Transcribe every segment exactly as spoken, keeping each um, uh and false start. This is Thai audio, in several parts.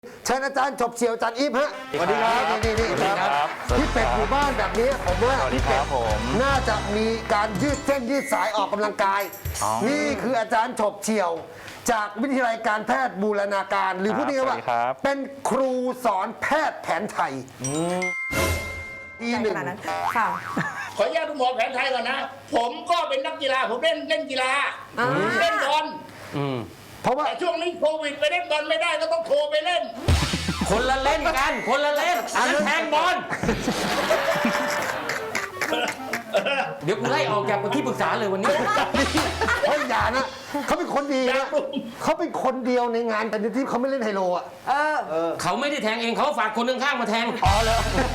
เชิญอาจารย์จบเฉียวอาจารย์อีฟฮะสวัสดีครับนี่นี่นี่ครับพี่เป็ดอยู่บ้านแบบนี้ผมว่าพี่เป็ดน่าจะมีการยืดเส้นยืดสายออกกำลังกาย นี่คืออาจารย์จบเฉียว จากวิทยาลัยการแพทย์บูรณาการ หรือพูดง่ายๆว่าเป็นครูสอนแพทย์แผนไทยทีหนึ่งค่ะขออนุญาตคุณหมอแผนไทยก่อนนะ ผมก็เป็นนักกีฬาผมเล่นเล่นกีฬาเล่นบอลเพราะว่าแต่ช่วงนี้โควิดไปเล่นบอลไม่ได้ก็ต้องโทรไปเล่นคนละเล่นกัน คนละเล่นอันนั้นแทงบอลเดี๋ยวกูไล่ออกจากที่ปรึกษาเลยวันนี้เฮ้ยอย่านะเขาเป็นคนดีนะเขาเป็นคนเดียวในงานแต่ในที่เขาไม่เล่นไฮโลอ่ะเออเขาไม่ได้แทงเองเขาฝากคนข้างๆมาแทงอ๋อแล้ว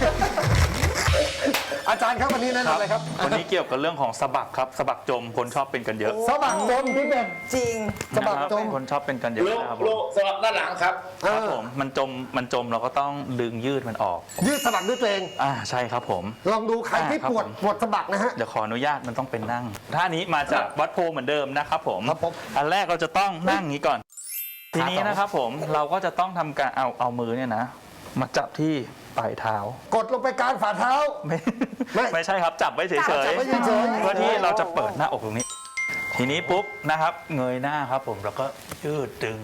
อาจารย์ครับวันนี้แนะนำอะไรครับวันนี้เกี่ยวกับเรื่องของสะบักครับสะบักจมคนชอบเป็นกันเยอะสะบักจมพี่เป็ดจริงสะบักจมนะครับคนชอบเป็นกันเยอะโลนะครับผโลมสลับด้านหลังครับครับผมมันจมมันจมเราก็ต้องดึงยืดมันออกยืดสะบักด้วยตัวเองอ่าใช่ครับผมลองดูใครที่อ่าครับปวดผมปวดสะบักนะฮะเดี๋ยวขออนุญาตมันต้องเป็นนั่งท่านี้มาจากวัดโพเหมือนเดิมนะครับผมครับผมอันแรกเราจะต้องนั่งอย่างนี้ก่อน ทีนี้นะครับผมเราก็จะต้องทำการเอาเอามือเนี่ยนะมาจับที่ปลายเท้ากดลงไปกลางฝ่าเท้าไม่ไม่ไม่ใช่ครับจับไว้เฉยจับไว้เฉยๆเพื่อที่เราจะเปิดหน้าอกตรงนี้ ทีนี้ปุ๊บนะครับเงยหน้าครับผมแล้วก็ยืดดึง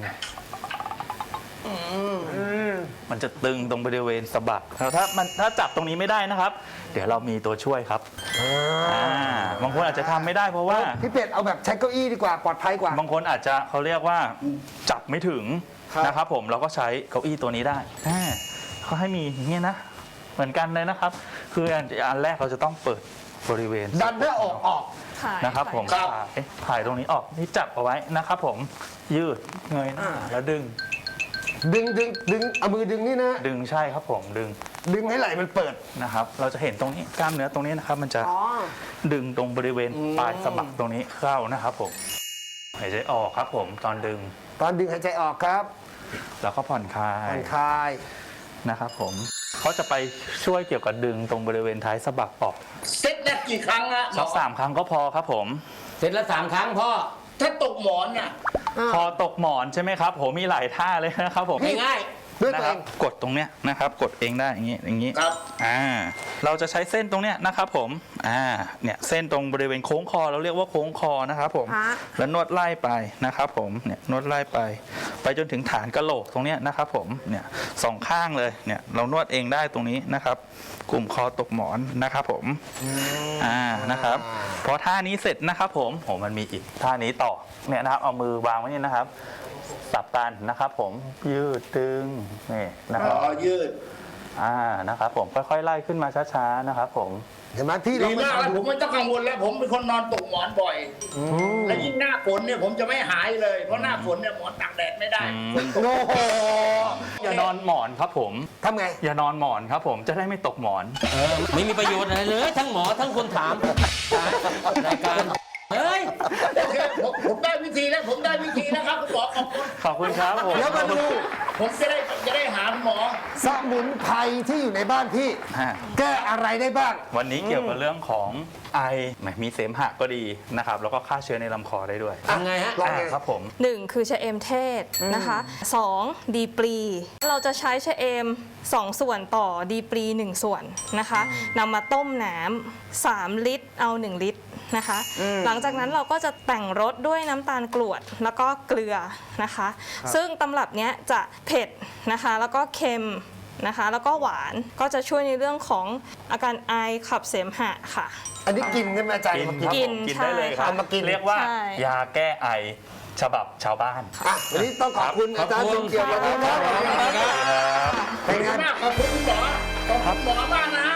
มันจะตึงตรงบริเวณสะบักแล้วถ้ามันถ้าจับตรงนี้ไม่ได้นะครับ เดี๋ยวเรามีตัวช่วยครับอ่าบางคนอาจจะทำไม่ได้เพราะว่าพี่เป็ดเอาแบบใช้เก้าอี้ดีกว่าปลอดภัยกว่าบางคนอาจจะเขาเรียกว่าจับไม่ถึงครับนะครับผมเราก็ใช้เก้าอี้ตัวนี้ได้อ่าเขาให้มีอย่างเงี้ยนะ เหมือนกันเลยนะครับ คืออันอันแรกเราจะต้องเปิดบริเวณดันหน้าอกออกนะครับผมครับถ่ายถ่ายตรงนี้ออกนี่จับเอาไว้นะครับผมยืดเงยหน้าแล้วดึงดึงดึงดึงเอามือดึงนี่นะดึงใช่ครับผมดึงดึงให้ไหล่มันเปิดนะครับ เราจะเห็นตรงนี้กล้ามเนื้อตรงนี้นะครับ มันจะดึงตรงบริเวณปลายสะบักตรงนี้เข้านะครับผมหายใจออกครับผมตอนดึงตอนดึงหายใจออกครับแล้วก็ผ่อนคลาผ่อย นคลายนะครับผมเขาจะไปช่วยเกี่ยวกับดึงตรงบริเวณท้ายสะบักออกเซ็ตได้กี่ครั้งอะหมสัอกสามครั้งก็พอครับผมเสร็จแล้วสามครั้งพ่อถ้าตกหมอนน่ะพอตกหมอนใช่ไหมครับผมมีหลายท่าเลยนะครับผมง่ายด้วยนะตัวคเอรับงกดตรงเนี้ยนะครับกดเองได้อย่างงี้อย่างงี้ครับอ่าเราจะใช้เส้นตรงเนี้ยนะครับผมอ่าเนี่ยเส้นตรงบริเวณโค้งคอเราเรียกว่าโค้งคอนะครับผมฮะแล้วนวดไล่ไปนะครับผมเนี่ยนวดไล่ไป ไปจนถึงฐานกะโหลกตรงเนี้ยนะครับผมเนี่ยสองข้างเลยเนี่ยเรานวดเองได้ตรงนี้นะครับ กลุ่มคอตกหมอนนะครับผมอ่านะครับพอท่านี้เสร็จนะครับผมโหมันมีอีกท่านี้ต่อเนี่ยนะครับเอามือวางไว้นี่นะครับสับกันนะครับผมยืดตึงนี่นะครับอ๋อยืดอ่านะครับผมค่อยๆไล่ขึ้นมาช้าๆนะครับผมเห็นไหมพี่ลอดีงไปมากแล้วทำผดูมไม่ต้องกังวลแล้ว ผมเป็นคนนอนตกหมอนบ่อย และยิ่งหน้าฝนเนี่ยผมจะไม่หายเลย เพราะหน้าฝนเนี่ยหมอนตากแดดไม่ได้โอ้โหอย่านอนหมอนครับผมทำไงอย่านอนหมอนครับผมจะได้ไม่ตกหมอนๆเออไม่มีประโยชน์อะไรเลย ทั้งหมอทั้งคนถามรายการเฮ้ยโอเคผมผมได้วิธีแล้วผมได้วิธีนะครับคุณหมอขอบคุณขอบคุณครับผมเดี๋ยวมาดูผมจะได้จะได้หาคุณหมอสมุนไพรที่อยู่ในบ้านพี่ฮะแก้อะไรได้บ้างวันนี้เกี่ยวกับเรื่องของไอแหมมีเสมหะก็ดีนะครับแล้วก็ฆ่าเชื้อในลำคอได้ด้วยทำไงฮะลองไงอ่าครับผมหนึ่งคือชะเอมเทศนะคะสองดีปรี เราจะใช้ชะเอมสองส่วนต่อดีปรีหนึ่งส่วนนะคะนำมาต้มน้ำสามลิตรเอาหนึ่งลิตรนะคะ หลังจากนั้นเราก็จะแต่งรสด้วยน้ำตาลกรวดแล้วก็เกลือนะคะ ซึ่งตำรับเนี้ยจะเผ็ดนะคะแล้วก็เค็มนะคะแล้วก็หวานก็จะช่วยในเรื่องของอาการไอขับเสมหะค่ะอันนี้กินใช่ไหมอาจารย์กินมากินครับกินผมกินได้เลยครับใช่ค่ะเอามากินเรียกว่าใช่ยาแก้ไอฉบับชาวบ้านอ่ะวันนี้ต้องขอบคุณอาจารย์สมเกียรติขอบคุณนะครับครับเป็นไงมากขอบคุณคุณหมอขอบคุณหมอมากนะฮะ